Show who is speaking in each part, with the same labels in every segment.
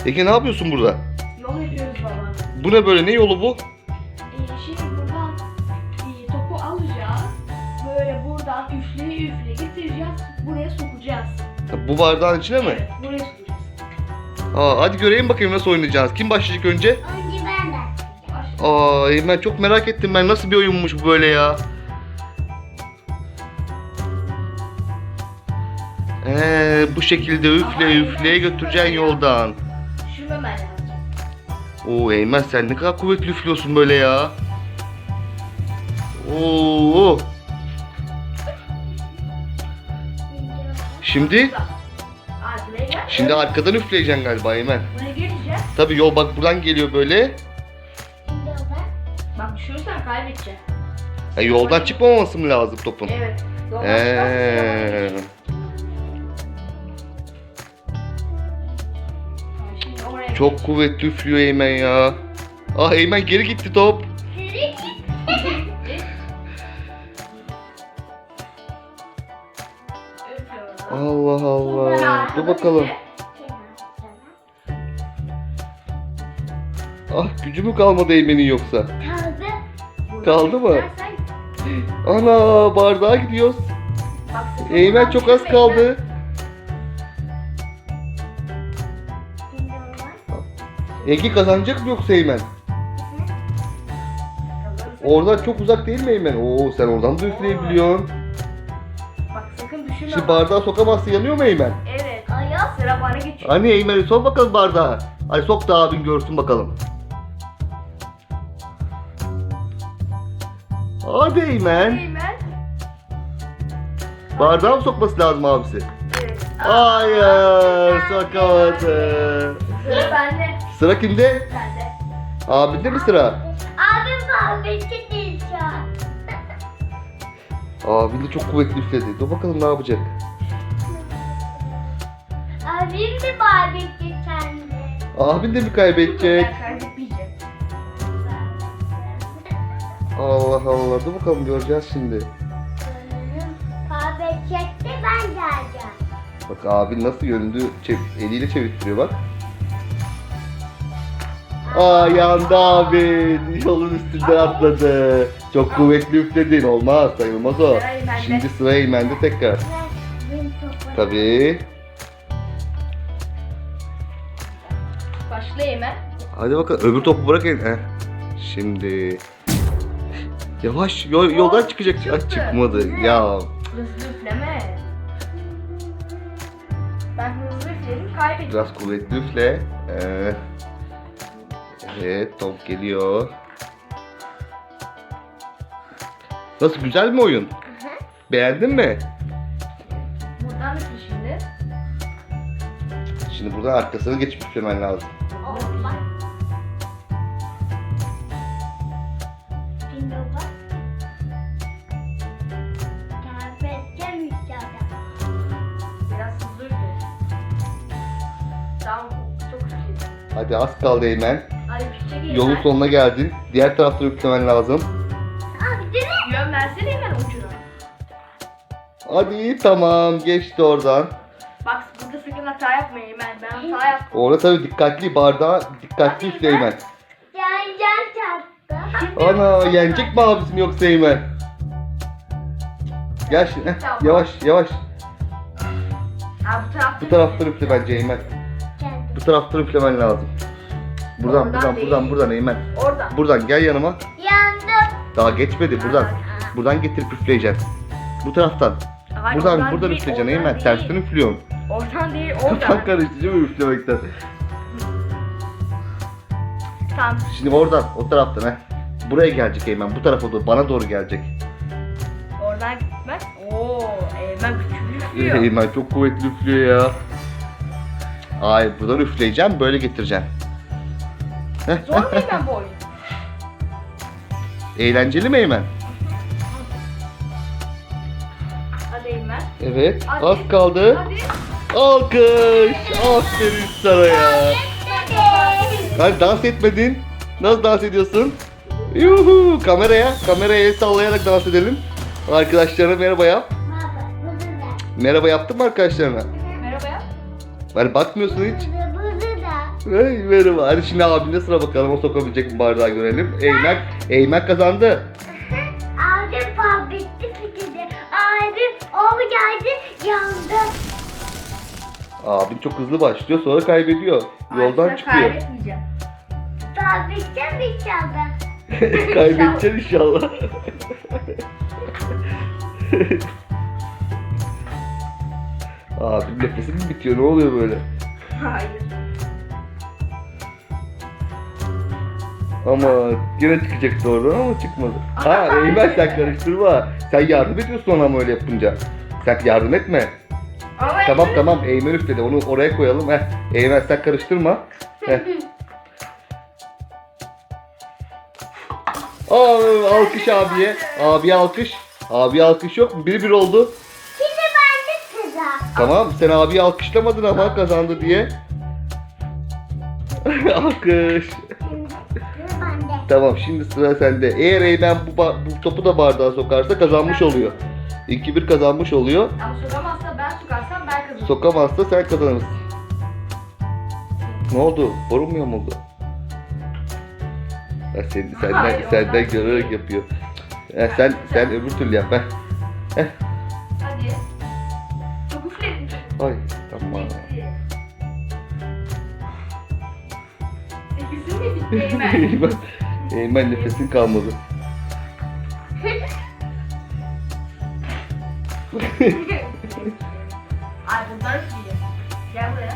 Speaker 1: Ege ne yapıyorsun burada?
Speaker 2: Yol yapıyoruz baba.
Speaker 1: Bu ne böyle? Ne yolu bu?
Speaker 2: Şimdi buradan topu alacağız. Böyle buradan üfleye üfleye getireceğiz. Buraya sokacağız.
Speaker 1: Bu bardağın içine mi?
Speaker 2: Evet, buraya sokacağız.
Speaker 1: Hadi göreyim bakayım nasıl oynayacağız. Kim başlayacak önce?
Speaker 3: Önce ben de.
Speaker 2: Başla.
Speaker 1: Ben çok merak ettim. Ben nasıl bir oyunmuş bu böyle ya? Bu şekilde üfle üfleye götüreceksin yoldan.
Speaker 2: Düşürmemen lazım.
Speaker 1: Eymen sen ne kadar kuvvetli üflüyorsun böyle ya. Oo. Şimdi
Speaker 2: Arkaya gel.
Speaker 1: şimdi arkadan üfleyeceksin galiba Eymen.
Speaker 2: Buraya geleceğiz.
Speaker 1: Tabii yol bak buradan geliyor böyle.
Speaker 3: Şimdi o ben.
Speaker 2: Bak düşürürsen kaybedeceksin.
Speaker 1: Yoldan çıkmaması mı lazım topun?
Speaker 2: Evet. Yoldan
Speaker 1: Ee,
Speaker 2: çıkarsın. Şimdi oraya
Speaker 1: Çok kuvvetli üflüyor Eymen ya. Eymen geri gitti top.
Speaker 2: Üflüyorum.
Speaker 1: Allah Allah. Dur bakalım. Gücü mü kalmadı Eymen'in yoksa?
Speaker 3: Kaldı.
Speaker 1: Kaldı mı?
Speaker 2: Dersen-
Speaker 1: Ana bardağa gidiyoruz.
Speaker 2: Bak, sakın
Speaker 1: Eymen
Speaker 2: buradan
Speaker 1: çok az
Speaker 2: düşürme
Speaker 1: kaldı.
Speaker 3: Şimdi o ben.
Speaker 1: Ege kazanacak mı yoksa Eymen?
Speaker 2: Eymen.
Speaker 1: Oradan çok uzak değil mi Eymen? Sen oradan da üfleyebiliyorsun.
Speaker 2: Bak sakın düşürme.
Speaker 1: Şimdi
Speaker 2: bak.
Speaker 1: bardağı sokamazsın, yanıyor mu Eymen?
Speaker 2: Evet.
Speaker 3: Ayak.
Speaker 2: Sıra bana geçiyor.
Speaker 1: Hani Eymen'i sok bakalım bardağa. Hadi sok da abin görsün bakalım. Hadi Eymen.
Speaker 2: Eymen.
Speaker 1: Bardağa mı sokması lazım abisi?
Speaker 2: Evet.
Speaker 1: Hayır, sokamadı.
Speaker 2: Sıra bende.
Speaker 1: Sıra kimde?
Speaker 2: Bende.
Speaker 1: Abinde mi sıra?
Speaker 3: Abim kahveci değil şu an.
Speaker 1: Abin de çok kuvvetli üfledi. Dur bakalım ne yapacak.
Speaker 3: Abim de barbekü kendi.
Speaker 1: Abin de mi kaybedecek?
Speaker 2: Ben kaybetmeyeceğim.
Speaker 1: Allah Allah. Dur bakalım göreceğiz şimdi.
Speaker 3: Kahve çekti ben geleceğim.
Speaker 1: Bak abin nasıl yönünü eliyle çevirtiriyor bak. Yandı abin. Yolun üstünden atladı. Çok kuvvetli üfledin. Olmaz, sayılmaz o.
Speaker 2: Sıra Eymen'de.
Speaker 1: Şimdi sıra Eymen'de tekrar.
Speaker 3: Ben topu.
Speaker 1: Tabii.
Speaker 2: Başla Eymen.
Speaker 1: Hadi bakalım öbür topu bırak Şimdi. Yavaş yoldan çıkacak. Çıkmadı. Ya.
Speaker 2: Hızlı üfleme. Ben hızlı üfledim kaybettim.
Speaker 1: Biraz kuvvetli üfle. Evet top geliyor. Nasıl, güzel mi oyun? Beğendin mi?
Speaker 2: Buradan üfle şimdi.
Speaker 1: Şimdi buradan arkasını geçip üflemen lazım.
Speaker 3: Olmaz. Şimdi o bak. Kahve içeceğim.
Speaker 2: Biraz hızlı üfle. Tamam çok üfledim.
Speaker 1: Hadi az kaldı Eymen.
Speaker 2: Hadi küçük Eymen.
Speaker 1: Yolun sonuna geldin. Diğer taraftan üflemen lazım.
Speaker 3: Abi değil mi?
Speaker 2: Yön versene Eymen ucuna.
Speaker 1: Hadi tamam, geçti oradan.
Speaker 2: Bak burada sakın hata yapma Eymen. Ben hata yaptım.
Speaker 1: Orada tabii dikkatli, bardağı dikkatli üfle Eymen.
Speaker 3: Yanacağım çarptı.
Speaker 1: Ana, yenecek mi abisini yoksa Eymen? Gel şimdi. Yavaş yavaş.
Speaker 2: Ha bu tarafta.
Speaker 1: Bu taraftan üfle bence Eymen.
Speaker 3: Kendi.
Speaker 1: Bu taraftan üflemen lazım. Buradan
Speaker 2: Oradan
Speaker 1: buradan
Speaker 2: değil.
Speaker 1: buradan Eymen.
Speaker 2: Oradan.
Speaker 1: Buradan gel yanıma.
Speaker 3: Yandım.
Speaker 1: Daha geçmedi buradan. Buradan getirip üfleyeceksin. Bu taraftan.
Speaker 2: Hayır,
Speaker 1: Buradan
Speaker 2: değil,
Speaker 1: üfleyeceksin
Speaker 2: oradan
Speaker 1: Eymen.
Speaker 2: değil.
Speaker 1: Tersten üflüyorsun.
Speaker 2: Oradan değil
Speaker 1: Kafan
Speaker 2: oradan.
Speaker 1: karıştı değil mi üflemekten?
Speaker 2: Tamam.
Speaker 1: Şimdi oradan, o taraftan Buraya gelecek Eymen. Bu tarafa doğru, bana doğru gelecek.
Speaker 2: Oradan gitmez. Oo Eymen küçük üflüyor.
Speaker 1: Eymen çok kuvvetli üflüyor ya. Buradan üfleyeceğim, böyle getireceğim.
Speaker 2: Zor mu Eymen bu oyun?
Speaker 1: Eğlenceli mi Eymen?
Speaker 2: Hadi Eymen.
Speaker 1: Evet,
Speaker 2: Hadi.
Speaker 1: az kaldı.
Speaker 2: Hadi.
Speaker 1: Alkış! Aferin sana ya. Hadi dans etmedin. Nasıl dans ediyorsun? Yuhu! Kameraya el sallayarak dans edelim. Arkadaşlarına merhaba yap.
Speaker 3: Baba, bunu da.
Speaker 1: Merhaba yaptın mı arkadaşlarına?
Speaker 2: Merhaba ya.
Speaker 1: Hani bakmıyorsun hiç.
Speaker 3: Bunu da.
Speaker 1: Hey, merhaba. Hadi şimdi abine sıra bakalım. O sokabilecek mi bardağı görelim. Eymen kazandı.
Speaker 3: Abim fabritti fikirdi. Abim o geldi yandı.
Speaker 1: Abin çok hızlı başlıyor sonra kaybediyor. Yoldan
Speaker 2: Ay,
Speaker 1: çıkıyor.
Speaker 2: kaybetmeyeceğim.
Speaker 3: Fabrikten bir çaldı.
Speaker 1: Kaybedeceksin inşallah. Abim nefesi mi bitiyor? Ne oluyor böyle?
Speaker 2: Hayır.
Speaker 1: Ama yine çıkacaktı oradan ama çıkmadı. Ha Eymen sen karıştırma. Sen yardım ediyorsun ona ama öyle yapınca. Sen yardım etme.
Speaker 2: Ama
Speaker 1: Tamam Eymen üfledi. Onu oraya koyalım. Eymen sen karıştırma. Heh. Alkış abiye. Abiye alkış. Abiye alkış yok mu? 1-1 oldu.
Speaker 3: Şimdi ben de sıra.
Speaker 1: Tamam sen abiyi alkışlamadın ama kazandı diye. Alkış.
Speaker 3: Şimdi sıra bende.
Speaker 1: Tamam şimdi sıra sende. Eğer Eymen bu topu da bardağa sokarsa kazanmış oluyor. 2-1 kazanmış oluyor.
Speaker 2: Ama sokamazsa ben sokarsam ben kazanırım.
Speaker 1: Sokamazsa sen kazanırsın. Ne oldu? Borun mu yamuldu? Ha,
Speaker 2: Hayır,
Speaker 1: senden
Speaker 2: ondan
Speaker 1: görerek
Speaker 2: değil.
Speaker 1: yapıyor. Sen öbür türlü yap.
Speaker 2: Hadi. Çok üfledin.
Speaker 1: Ay tamam.
Speaker 2: Nefesin mi bitti Eymen?
Speaker 1: Eymen nefesin kalmadı.
Speaker 2: Ay bunlar üfleyeceğim. Gel buraya.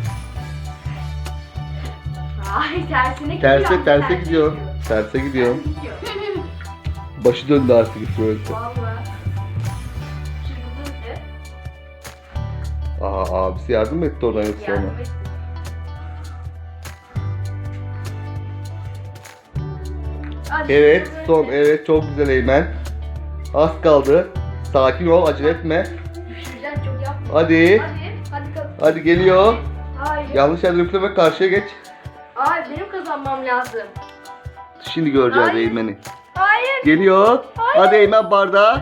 Speaker 2: Ay tersine gidiyor.
Speaker 1: Terse gidiyor. Terse gidiyor.
Speaker 2: Gidiyor.
Speaker 1: Başı döndü artık böyle.
Speaker 2: Valla. Şimdi bu üfle.
Speaker 1: Abisi yardım etti oradan yoksa ona.
Speaker 2: Yardım et. Hadi
Speaker 1: Evet
Speaker 2: şimdi
Speaker 1: son
Speaker 2: böyle
Speaker 1: evet çok güzel Eymen. Az kaldı. Sakin ol acele etme.
Speaker 2: Düşüreceksin çok yapma.
Speaker 1: Hadi.
Speaker 2: Hadi kazan.
Speaker 1: Hadi geliyor.
Speaker 2: Hayır.
Speaker 1: Yanlış yerden üfleme karşıya geç.
Speaker 2: Ay benim kazanmam lazım.
Speaker 1: Şimdi göreceğiz
Speaker 2: Hayır.
Speaker 1: Eymen'i.
Speaker 2: Hayır.
Speaker 1: Geliyor.
Speaker 2: Hayır.
Speaker 1: Hadi Eymen bardağı.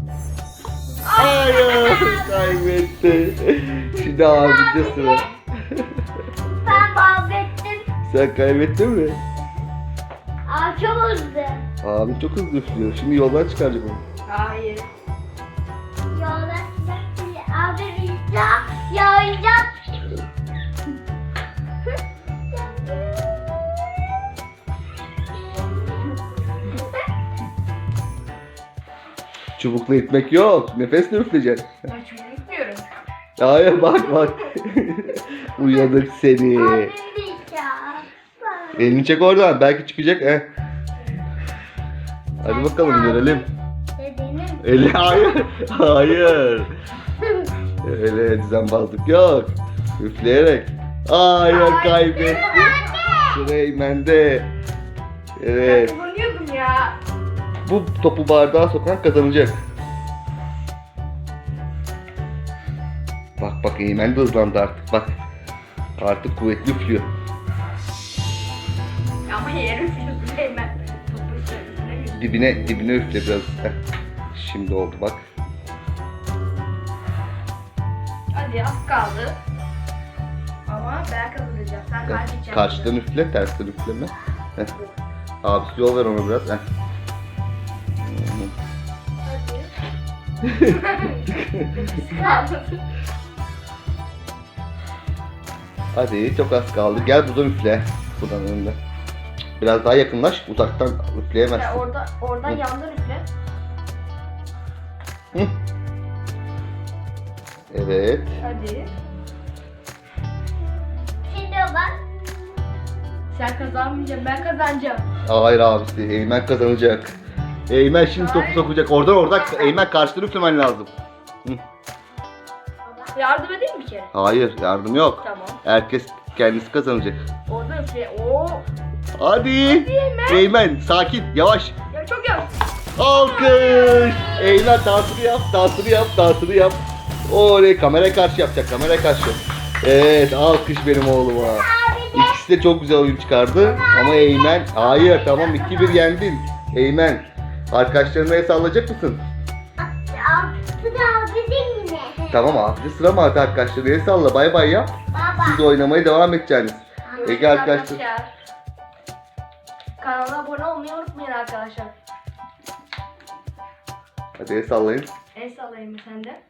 Speaker 1: Hayır. Kaybetti. Şimdi abinde sıra.
Speaker 3: Ben fabrittim.
Speaker 1: Sen kaybettin mi?
Speaker 3: Aa çok hızlı.
Speaker 1: Abin çok hızlı üflüyor. Şimdi yoldan çıkaracak onu.
Speaker 2: Hayır.
Speaker 3: Yola sıcak abi bizde yağacak.
Speaker 1: Çubukla itmek yok. Nefesle üfleyeceksin.
Speaker 2: Ben çok gitmiyorum.
Speaker 1: Hayır bak. Uyanık seni.
Speaker 3: Abim diyeceğim.
Speaker 1: Elini çek oradan. Belki çıkacak. Hadi bakalım görelim.
Speaker 3: Benim.
Speaker 1: Eli hayır. Hayır. Öyle düzenbazlık yok. Üfleyerek. Hayır kaybetti. Sıra Eymen'de. Evet.
Speaker 2: Ben kullanıyordum ya.
Speaker 1: Bu topu bardağa sokan kazanacak. Bak Eymen de hızlandı artık bak. Artık kuvvetli üflüyor.
Speaker 2: Ama yere üflüyorsun Eymen. Topu üstüne
Speaker 1: Dibine üfle biraz. Şimdi oldu bak.
Speaker 2: Hadi az kaldı. Ama ben kazanacağım. Sen kaybedeceksin.
Speaker 1: Karşıdan üfle, tersten üfleme. Heh. Abisi yol ver ona biraz.
Speaker 2: Hadi.
Speaker 1: Hadi çok az kaldı. Gel buradan üfle. Buradan önde. Biraz daha yakınlaş. Uzaktan
Speaker 2: Ya
Speaker 1: üfleyemezsin.
Speaker 2: oradan
Speaker 1: Hı.
Speaker 2: yandan üfle.
Speaker 1: Hı. Evet.
Speaker 2: Hadi.
Speaker 3: Şimdi bak.
Speaker 2: Sen kazanmayacaksın, ben kazanacağım.
Speaker 1: Hayır abisi. Eymen kazanacak. Eymen şimdi topu
Speaker 2: Hayır.
Speaker 1: sokacak. Oradan Eymen karşıdan üflemen lazım.
Speaker 2: Yardım edeyim mi bir kere?
Speaker 1: Hayır yardım yok.
Speaker 2: Tamam.
Speaker 1: Herkes kendisi kazanacak.
Speaker 2: Oradan üfle. Oo.
Speaker 1: Hadi.
Speaker 2: Eymen.
Speaker 1: Eymen sakin yavaş.
Speaker 2: Ya çok yavaş.
Speaker 1: Alkış. Eymen dansını yap. Oley kameraya karşı yapacak kameraya karşı. Evet alkış benim oğluma. İkisi de çok güzel oyun çıkardı. Ama Eymen hayır tamam 2-1 yendin. Eymen arkadaşlarına el sallayacak mısın?
Speaker 3: Abi değil mi?
Speaker 1: Tamam abi sıra mı arkadaşlarına el salla bay bay yap.
Speaker 3: Baba.
Speaker 1: Siz oynamaya devam edeceksiniz. Ege arkadaşlar.
Speaker 2: Kanala abone olmayı unutmayın arkadaşlar.
Speaker 1: Hadi el sallayın.
Speaker 2: El sallayayım mı sen de?